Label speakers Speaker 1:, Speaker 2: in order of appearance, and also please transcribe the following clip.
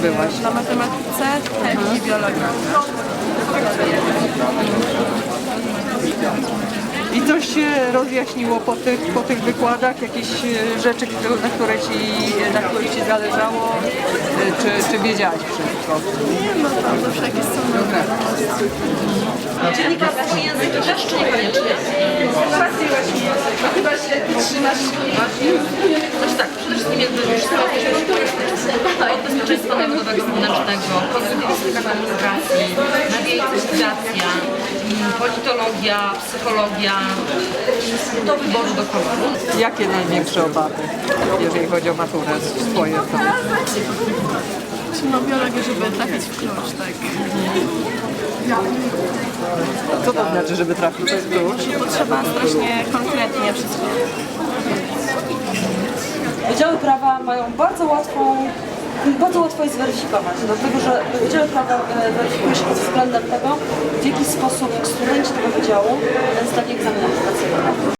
Speaker 1: byłaś?
Speaker 2: Na matematyce, chemii i biologii.
Speaker 1: I coś się rozjaśniło po tych wykładach? Jakieś rzeczy, na których Ci zależało? Czy wiedziałaś wszystko?
Speaker 2: Nie, no tam zawsze jakieś są dobre.
Speaker 3: Dziennikarstwo i języki też, czy niekoniecznie?
Speaker 2: Trafiłaś mi język, no chyba się trzymasz.
Speaker 3: Znaczy tak, przede wszystkim jakby już od bezpieczeństwa narodowego wewnętrznego, konstytucyjna administracji, media i cyfryzacja, politologia, psychologia, do wyboru do koloru.
Speaker 1: Jakie największe obawy, jeżeli chodzi o maturę swoje?
Speaker 2: No biologię, żeby trafić w klucz, tak.
Speaker 1: Co to znaczy, żeby trafić w klucz?
Speaker 2: Bo trzeba strasznie konkretnie wszystko.
Speaker 4: Wydziały prawa mają bardzo łatwo je zweryfikować, dlatego że Wydziały prawa weryfikuje się pod względem tego, w jaki sposób studenci tego wydziału zdali egzamin aplikacyjny.